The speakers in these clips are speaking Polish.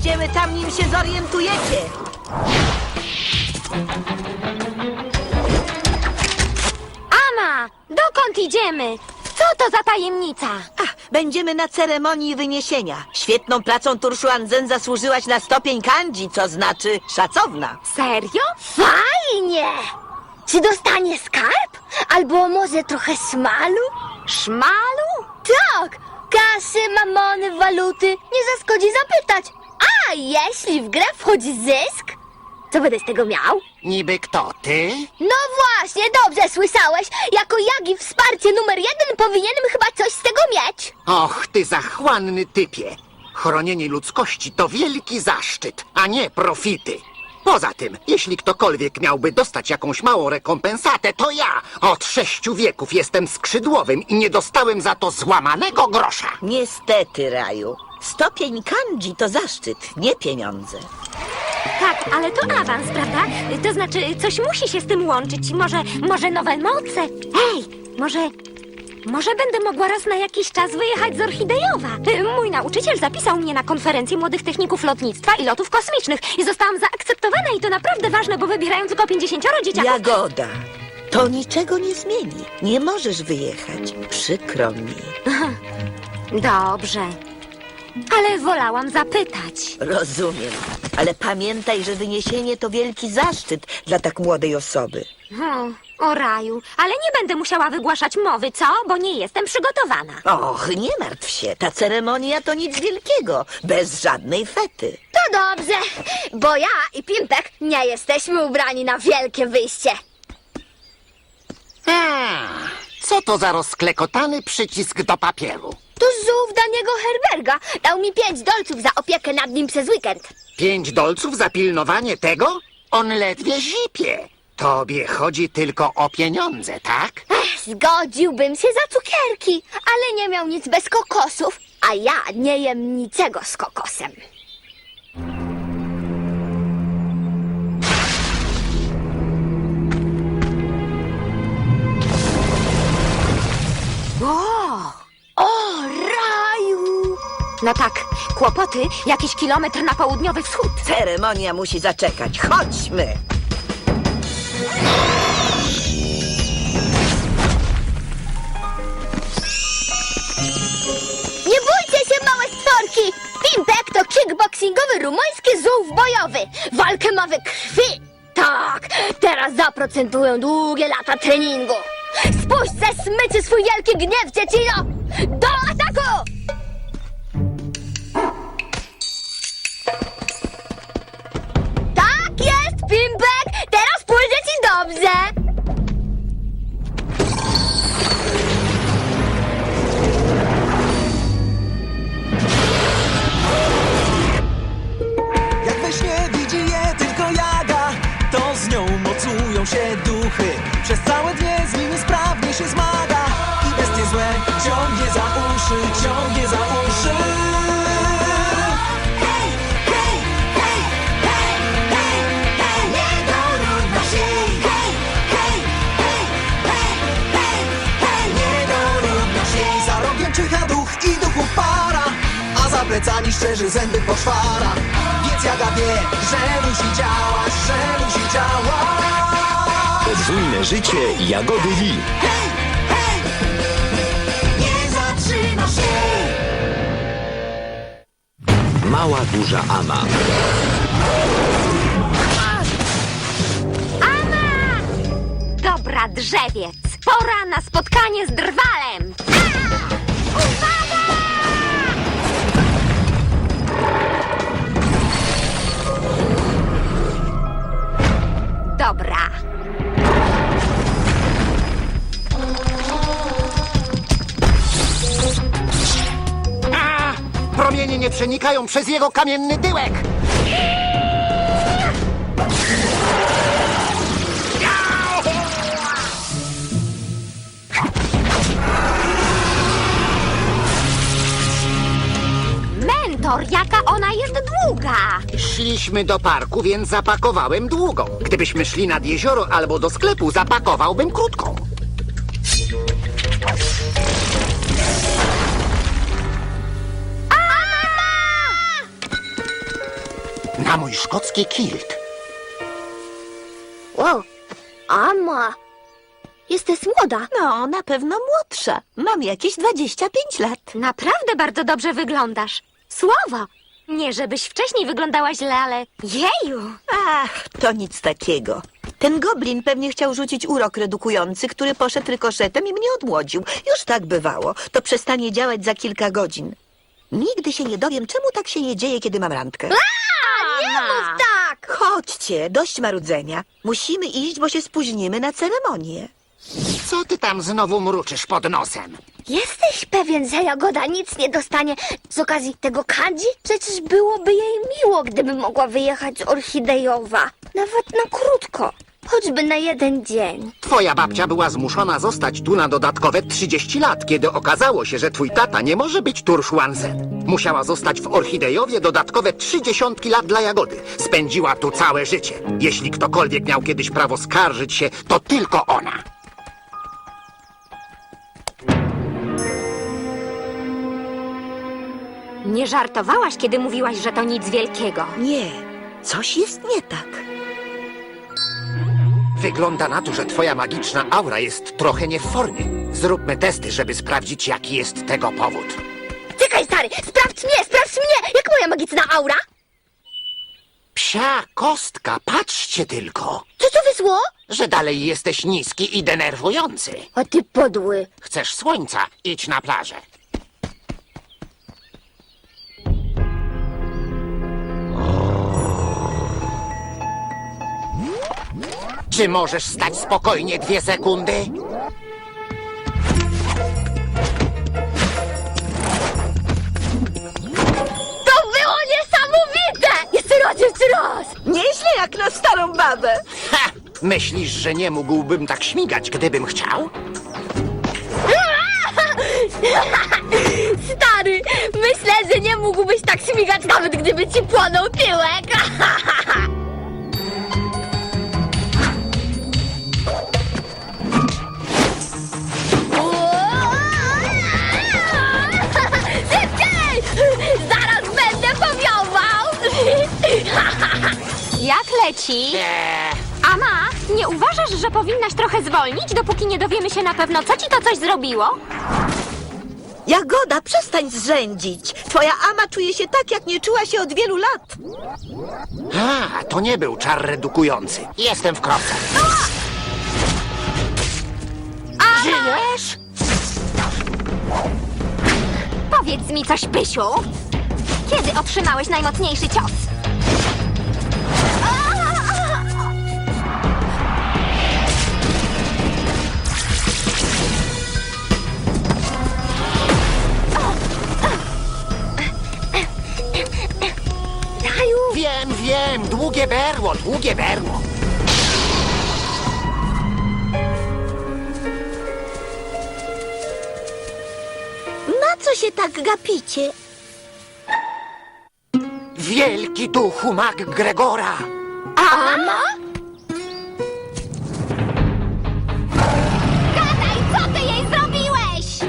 Będziemy tam, nim się zorientujecie. Ama, dokąd idziemy? Co to za tajemnica? Będziemy na ceremonii wyniesienia. Świetną pracą Turszuan-zen zasłużyłaś na stopień kanji, co znaczy szacowna. Serio? Fajnie! Czy dostanie skarb? Albo może trochę szmalu? Szmalu? Tak! Kasy, mamony, waluty. Nie zaszkodzi zapytać. A jeśli w grę wchodzi zysk? Co będę z tego miał? Niby kto, ty? No właśnie, dobrze słyszałeś. Jako Jagi wsparcie numer 1 powinienem chyba coś z tego mieć. Och, ty zachłanny typie. Chronienie ludzkości to wielki zaszczyt, a nie profity. Poza tym, jeśli ktokolwiek miałby dostać jakąś małą rekompensatę, to ja od 6 wieków jestem skrzydłowym i nie dostałem za to złamanego grosza. Niestety, Raju. Stopień kanji to zaszczyt, nie pieniądze. Tak, ale to awans, prawda? To znaczy, coś musi się z tym łączyć. Może nowe moce? Ej, może będę mogła raz na jakiś czas wyjechać z Orchidejowa. Mój nauczyciel zapisał mnie na konferencję młodych techników lotnictwa i lotów kosmicznych i zostałam zaakceptowana i to naprawdę ważne, bo wybierają tylko 50 dzieciaków. Jagoda, to niczego nie zmieni. Nie możesz wyjechać. Przykro mi. Dobrze, ale wolałam zapytać. Rozumiem. Ale pamiętaj, że wyniesienie to wielki zaszczyt dla tak młodej osoby. O raju, ale nie będę musiała wygłaszać mowy, co? Bo nie jestem przygotowana. Och, nie martw się. Ta ceremonia to nic wielkiego. Bez żadnej fety. To dobrze, bo ja i Pimpek nie jesteśmy ubrani na wielkie wyjście. Co to za rozklekotany przycisk do papieru? To żółw Daniego Herberga dał mi 5 dolców za opiekę nad nim przez weekend. 5 dolców za pilnowanie tego? On ledwie zipie. Tobie chodzi tylko o pieniądze, tak? Zgodziłbym się za cukierki, ale nie miał nic bez kokosów, a ja nie jem niczego z kokosem. O, raju! No tak, kłopoty, jakiś kilometr na południowy wschód. Ceremonia musi zaczekać. Chodźmy. Nie bójcie się, małe stworki! Pimpek to kickboxingowy rumuński żółw bojowy. Walkę ma we krwi. Tak, teraz zaprocentują długie lata treningu. Spuść ze smyczy swój wielki gniew, dziecino! Do ataku! Tak jest, Pimpek! Teraz pójdzie ci dobrze! Jak we śnie widzi je tylko Jaga, to z nią mocują się duchy. Przez całe dnie z nimi sprawnie się zmaga i bestie złe ciągnie za uszy, ciągnie za uszy. Hej, hej, hej, hej, hej, hej, nie dorówna się. Hej, hej, hej, hej, hej, hej, nie dorówna się. Za rogiem czyha duch i duchów para, a za plecami szczerzy zęby poszwara. Więc Jaga wie, że musi działać, że musi działać. Podwójne życie Jagody Lee. Hej, hej, nie zatrzyma się. Mała duża Ama. Ama! Dobra, drzewiec, pora na spotkanie z drwalem. Uwaga! Dobra. Promienie nie przenikają przez jego kamienny tyłek. Mentor, jaka ona jest długa. Szliśmy do parku, więc zapakowałem długą. Gdybyśmy szli nad jezioro albo do sklepu, zapakowałbym krótką. na mój szkocki kilt. Wow, Ama, jesteś młoda. No, na pewno młodsza. Mam jakieś 25 lat. Naprawdę bardzo dobrze wyglądasz. Słowo! Nie, żebyś wcześniej wyglądała źle, ale jeju! Ach, to nic takiego. Ten goblin pewnie chciał rzucić urok redukujący, który poszedł rykoszetem i mnie odmłodził. Już tak bywało. To przestanie działać za kilka godzin. Nigdy się nie dowiem, czemu tak się nie dzieje, kiedy mam randkę. Nie mów tak! Chodźcie, dość marudzenia. Musimy iść, bo się spóźnimy na ceremonię. Co ty tam znowu mruczysz pod nosem? Jesteś pewien, że Jagoda nic nie dostanie z okazji tego kandzi? Przecież byłoby jej miło, gdyby mogła wyjechać z Orchidejowa. Nawet na krótko. Choćby na jeden dzień. Twoja babcia była zmuszona zostać tu na dodatkowe 30 lat, kiedy okazało się, że twój tata nie może być Turszłanzen. Musiała zostać w Orchidejowie dodatkowe 30 lat dla Jagody. Spędziła tu całe życie. Jeśli ktokolwiek miał kiedyś prawo skarżyć się, to tylko ona. Nie żartowałaś, kiedy mówiłaś, że to nic wielkiego. Nie, coś jest nie tak. Wygląda na to, że twoja magiczna aura jest trochę nie w formie. Zróbmy testy, żeby sprawdzić, jaki jest tego powód. Czekaj, stary, sprawdź mnie! Jak moja magiczna aura? Psia kostka, patrzcie tylko, Co wysło? że dalej jesteś niski i denerwujący. A ty podły. Chcesz słońca? Idź na plażę. Czy możesz stać spokojnie 2 sekundy? To było niesamowite! Jeszcze raz! Nieźle jak na starą babę. Ha! Myślisz, że nie mógłbym tak śmigać, gdybym chciał? Stary, myślę, że nie mógłbyś tak śmigać, nawet gdyby ci płonął tyłek. Szybciej! Zaraz będę powiował! Jak leci? Ama, nie uważasz, że powinnaś trochę zwolnić, dopóki nie dowiemy się na pewno, co ci to coś zrobiło? Jagoda, przestań zrzędzić. Twoja ama czuje się tak, jak nie czuła się od wielu lat. A, to nie był czar redukujący. Jestem w kropce. Żyjesz? Powiedz mi coś, Pysiu. Kiedy otrzymałeś najmocniejszy cios? Daju, Wiem, długie berło. Na co się tak gapicie? Wielki duchu mag Gregora. Ama? Gadaj, co ty jej zrobiłeś?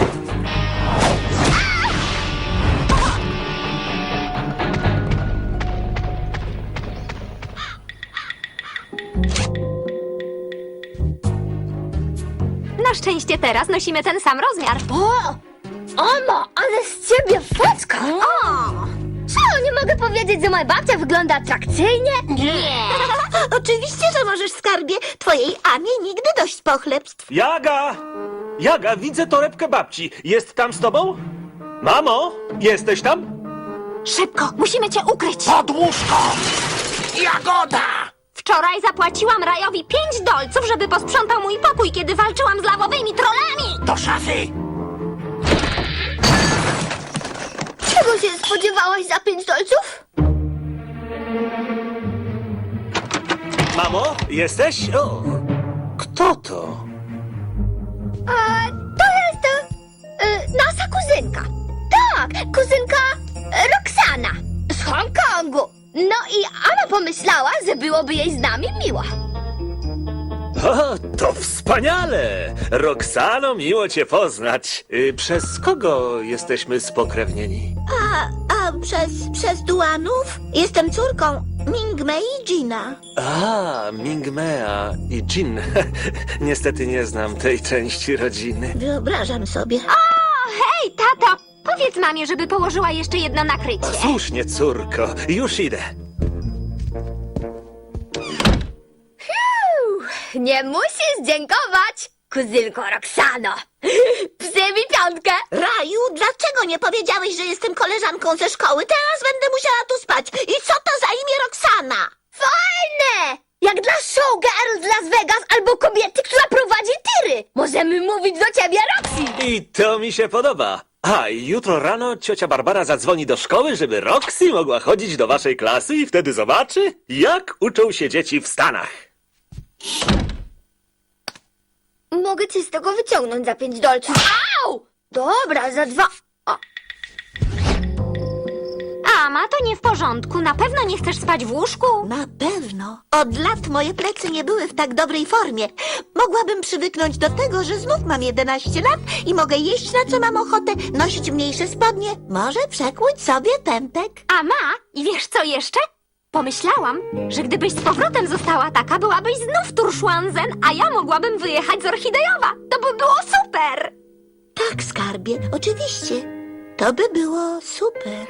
Na szczęście teraz nosimy ten sam rozmiar. O! Ama, ale z ciebie foczka! O! Co, nie mogę powiedzieć, że moja babcia wygląda atrakcyjnie? Nie! Oczywiście, że możesz, skarbie. Twojej amie nigdy dość pochlebstw. Jaga! Jaga, widzę torebkę babci. Jest tam z tobą? Mamo, jesteś tam? Szybko, musimy cię ukryć. Pod łóżko! Jagoda! Wczoraj zapłaciłam Rajowi 5 dolców, żeby posprzątał mój pokój, kiedy walczyłam z lawowymi trollami. Do szafy! Czego się spodziewałaś za 5 dolców? Mamo, jesteś? O, kto to? To jest nasza kuzynka. Tak, kuzynka Roxana z Hongkongu. No i Ama pomyślała, że byłoby jej z nami miło. O, to wspaniale! Roxano, miło cię poznać. Przez kogo jesteśmy spokrewnieni? Przez Duanów? Jestem córką Mingmei i Gina. A, Mingmea i Jin. Niestety nie znam tej części rodziny. Wyobrażam sobie. Hej, tato, powiedz mamie, żeby położyła jeszcze jedno nakrycie. Słusznie, córko. Już idę. Nie musisz dziękować, kuzynko Roxano. Psy mi piątkę. Raju, dlaczego nie powiedziałeś, że jestem koleżanką ze szkoły? Teraz będę musiała tu spać. I co to za imię Roxana? Fajne! Jak dla showgirl z Las Vegas albo kobiety, która prowadzi tiry. Możemy mówić do ciebie, Roxy. I to mi się podoba. A, i jutro rano ciocia Barbara zadzwoni do szkoły, żeby Roxy mogła chodzić do waszej klasy i wtedy zobaczy, jak uczą się dzieci w Stanach. Mogę cię z tego wyciągnąć za $5. Au! Dobra, za 2. O, Ama, to nie w porządku. Na pewno nie chcesz spać w łóżku? Na pewno. Od lat moje plecy nie były w tak dobrej formie. Mogłabym przywyknąć do tego, że znów mam 11 lat i mogę jeść na co mam ochotę, nosić mniejsze spodnie, może przekłuć sobie pępek. Ama, i wiesz co jeszcze? Pomyślałam, że gdybyś z powrotem została taka, byłabyś znów Turszłanzen, a ja mogłabym wyjechać z Orchidejowa. To by było super! Tak, skarbie, oczywiście. To by było super.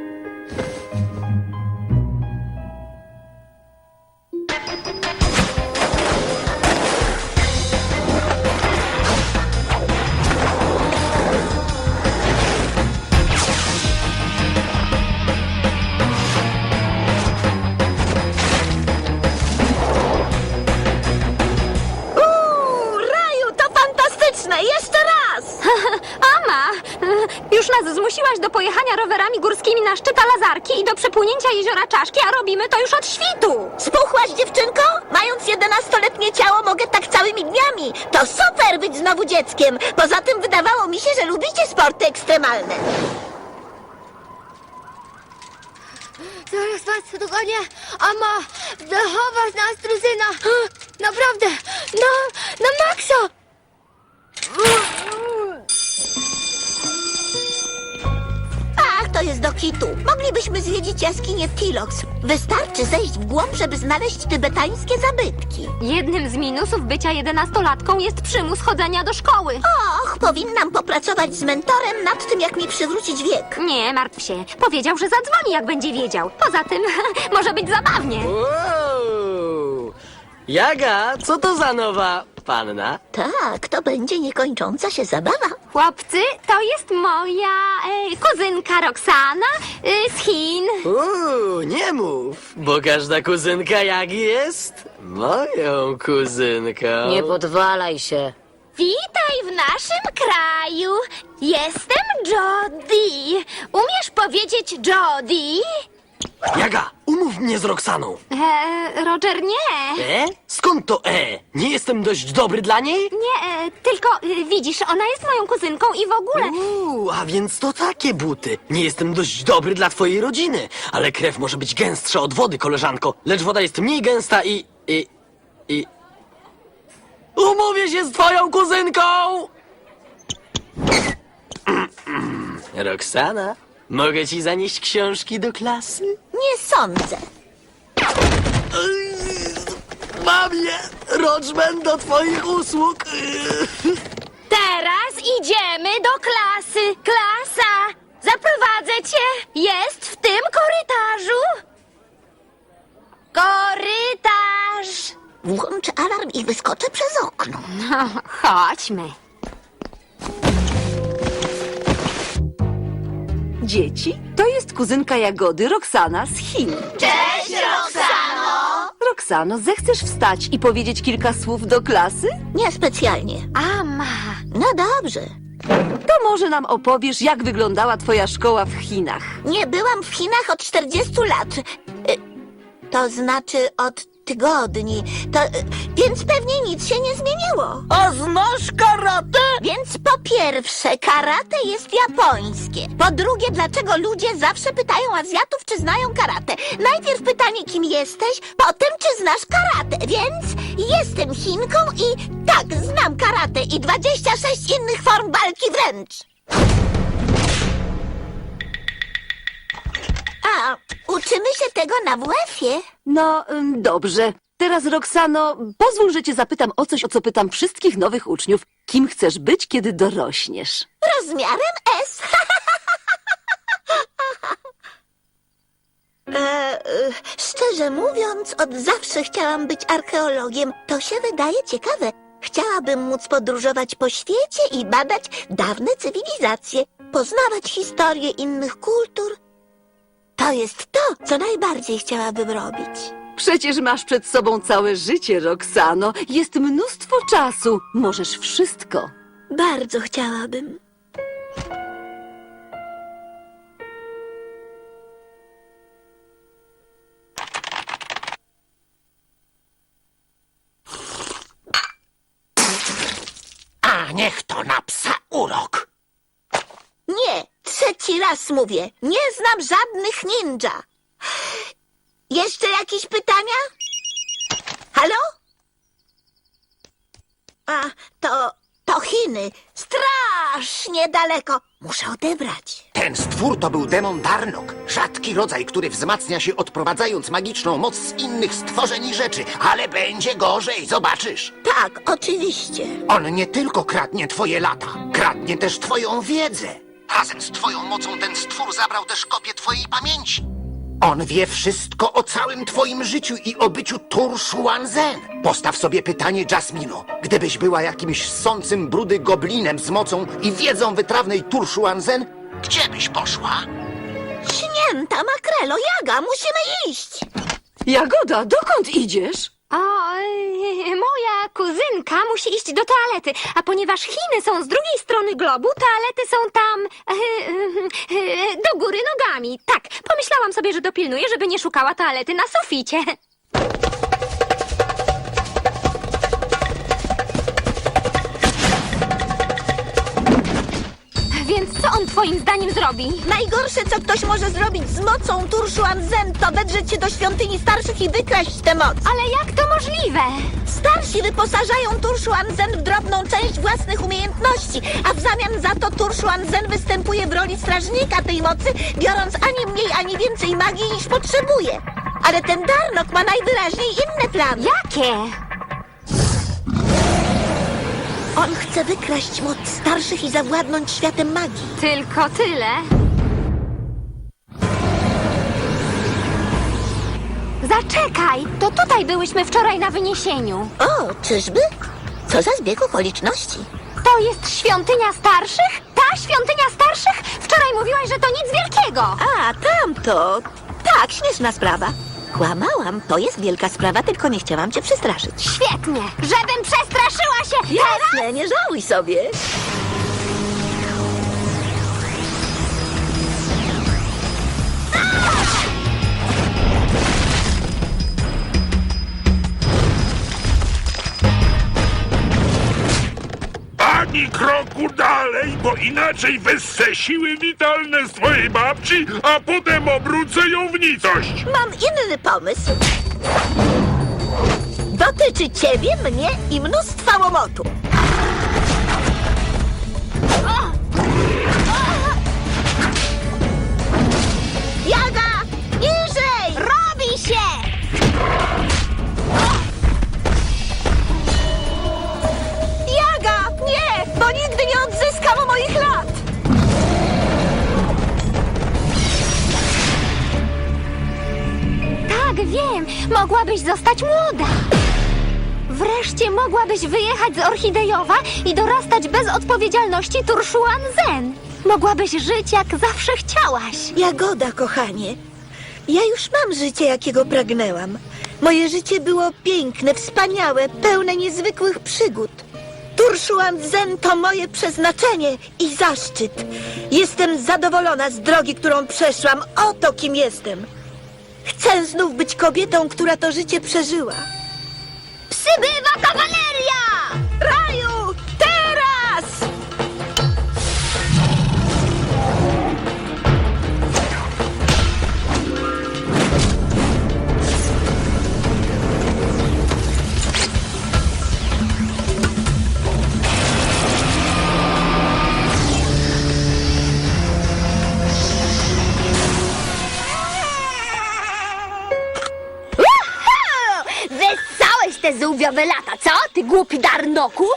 Raju, to fantastyczne! Jeszcze raz! Ama, już nas zmusiłaś do pojechania rowerami górskimi na szczyt Lazarki i do przepłynięcia jeziora Czaszki, a robimy to już od świtu. Spuchłaś, dziewczynko? Mając 11-letnie ciało, mogę tak całymi dniami. To super być znowu dzieckiem. Poza tym wydawało mi się, że lubicie sporty ekstremalne. zaraz was dogonię. Ama, zachowasz nas, drużyna. Naprawdę, na maksa. Ach, to jest do kitu. Moglibyśmy zwiedzić jaskinię Tilox. Wystarczy zejść w głąb, żeby znaleźć tybetańskie zabytki. Jednym z minusów bycia 11-latką jest przymus chodzenia do szkoły. Och, powinnam popracować z mentorem nad tym, jak mi przywrócić wiek. Nie, martw się. Powiedział, że zadzwoni, jak będzie wiedział. Poza tym, może być zabawnie. Wow! Jaga, co to za nowa panna? Tak, to będzie niekończąca się zabawa. Chłopcy, to jest moja kuzynka Roxana z Chin. Nie mów, bo każda kuzynka Jagi jest moją kuzynką. Nie podwalaj się. Witaj w naszym kraju. Jestem Jody. Umiesz powiedzieć Jody? Jaga, umów mnie z Roxaną. Roger, nie. Skąd to Nie jestem dość dobry dla niej? Nie, tylko widzisz, ona jest moją kuzynką i w ogóle... A więc to takie buty. Nie jestem dość dobry dla twojej rodziny. Ale krew może być gęstsza od wody, koleżanko. Lecz woda jest mniej gęsta i... Umówię się z twoją kuzynką! Roxana, mogę ci zanieść książki do klasy? Nie sądzę. Mamie, Roczman do twoich usług. Teraz idziemy do klasy. Klasa, zaprowadzę cię. Jest w tym korytarzu. Korytarz. Włączę alarm i wyskoczę przez okno. No, chodźmy. Dzieci, to jest kuzynka Jagody, Roxana z Chin. Cześć, Roxano! Roxano, zechcesz wstać i powiedzieć kilka słów do klasy? Niespecjalnie. Ama. No dobrze. To może nam opowiesz, jak wyglądała twoja szkoła w Chinach. Nie byłam w Chinach od 40 lat. To znaczy od tygodni. Więc pewnie nic się nie zmieniło. A znasz karate? Więc po pierwsze, karate jest japońskie. Po drugie, dlaczego ludzie zawsze pytają Azjatów, czy znają karate? Najpierw pytanie, kim jesteś, potem, czy znasz karate. Więc jestem Chinką i tak, znam karate i 26 innych form walki wręcz. uczymy się tego na WF-ie. No, dobrze. Teraz, Roxano, pozwól, że cię zapytam o coś, o co pytam wszystkich nowych uczniów. Kim chcesz być, kiedy dorośniesz? Rozmiarem S. Szczerze mówiąc, od zawsze chciałam być archeologiem. To się wydaje ciekawe. Chciałabym móc podróżować po świecie i badać dawne cywilizacje, poznawać historię innych kultur. To jest to, co najbardziej chciałabym robić. Przecież masz przed sobą całe życie, Roxano. Jest mnóstwo czasu. Możesz wszystko. Bardzo chciałabym. A niech to na psa urok. Nie, trzeci raz mówię. Nie znam żadnych ninja. Jeszcze jakieś pytania? Halo? A, to Chiny. Strasznie daleko. Muszę odebrać. Ten stwór to był demon Darnok. Rzadki rodzaj, który wzmacnia się odprowadzając magiczną moc z innych stworzeń i rzeczy. Ale będzie gorzej, zobaczysz. Tak, oczywiście. On nie tylko kradnie twoje lata, kradnie też twoją wiedzę. Razem z twoją mocą ten stwór zabrał też kopię twojej pamięci. On wie wszystko o całym twoim życiu i o byciu Tur Shuan-Zen. Postaw sobie pytanie, Jasmino. Gdybyś była jakimś ssącym brudy goblinem z mocą i wiedzą wytrawnej Tur Shuan-Zen, gdzie byś poszła? Śnięta makrelo, Jaga, musimy iść. Jagoda, dokąd idziesz? O, moja kuzynka musi iść do toalety, a ponieważ Chiny są z drugiej strony globu, toalety są tam do góry nogami. Tak, pomyślałam sobie, że dopilnuję, żeby nie szukała toalety na suficie. Więc co on twoim zdaniem zrobi? Najgorsze, co ktoś może zrobić z mocą Tur Shuan-Zen, to wedrzeć się do świątyni starszych i wykraść tę moc. Ale jak to możliwe? Starsi wyposażają Tur Shuan-Zen w drobną część własnych umiejętności, a w zamian za to Tur Shuan-Zen występuje w roli strażnika tej mocy, biorąc ani mniej, ani więcej magii niż potrzebuje. Ale ten Darnok ma najwyraźniej inne plany. Jakie? On chce wykraść moc starszych i zawładnąć światem magii. Tylko tyle. Zaczekaj, to tutaj byłyśmy wczoraj na wyniesieniu. O, czyżby? Co za zbieg okoliczności. To jest świątynia starszych? Ta świątynia starszych? Wczoraj mówiłaś, że to nic wielkiego. A, tamto. Tak, śmieszna sprawa. Kłamałam, to jest wielka sprawa, tylko nie chciałam cię przestraszyć. Świetnie, żebym przestraszyła się. Jasne, nie żałuj sobie. Ani kroku dalej, bo inaczej wessę siły witalne z twojej babci, a potem obrócę ją w nicość. Mam inny pomysł. Dotyczy ciebie, mnie i mnóstwa łomotu. Jaga! Niżej! Robi się! Jaga! Nie! Bo nigdy nie odzyskam moich lat! Tak, wiem, mogłabyś zostać młoda. Wreszcie mogłabyś wyjechać z Orchidejowa i dorastać bez odpowiedzialności Tur Shuan-Zen. Mogłabyś żyć jak zawsze chciałaś. Jagoda, kochanie. Ja już mam życie, jakiego pragnęłam. Moje życie było piękne, wspaniałe, pełne niezwykłych przygód. Tur Shuan-Zen to moje przeznaczenie i zaszczyt. Jestem zadowolona z drogi, którą przeszłam. Oto kim jestem. Chcę znów być kobietą, która to życie przeżyła. Przybywa kawaleria! Raju, teraz! żółwiowe lata, co? Ty głupi darnoku?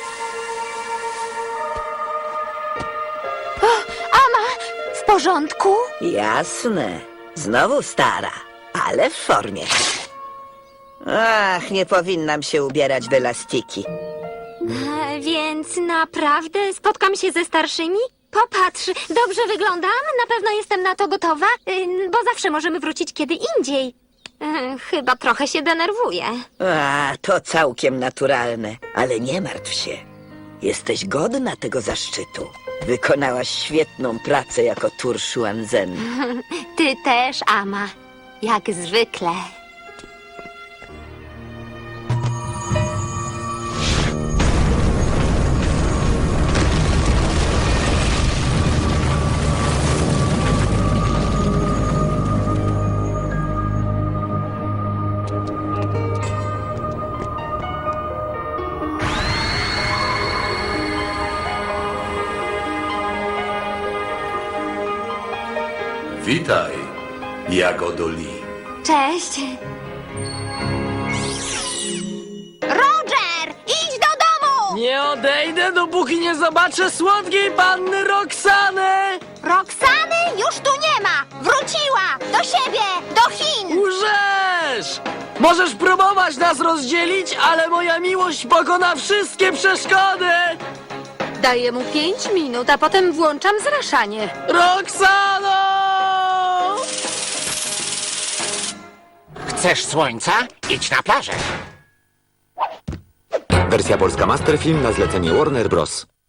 Ama, w porządku? Jasne. Znowu stara, ale w formie. Ach, nie powinnam się ubierać w elastiki. Więc naprawdę spotkam się ze starszymi? Popatrz, dobrze wyglądam, na pewno jestem na to gotowa, bo zawsze możemy wrócić kiedy indziej. Chyba trochę się denerwuję. A, to całkiem naturalne, ale nie martw się. Jesteś godna tego zaszczytu. Wykonałaś świetną pracę jako Turszuanzen. Ty też, Ama. Jak zwykle. Witaj, Jagodo Lee. Cześć. Roger, idź do domu! Nie odejdę, dopóki nie zobaczę słodkiej panny Roxany! Roxany już tu nie ma! Wróciła! Do siebie! Do Chin! Łżesz! Możesz próbować nas rozdzielić, ale moja miłość pokona wszystkie przeszkody! Daję mu 5 minut, a potem włączam zraszanie. Roxano! Chcesz słońca? Idź na plażę. Wersja polska Masterfilm na zlecenie Warner Bros.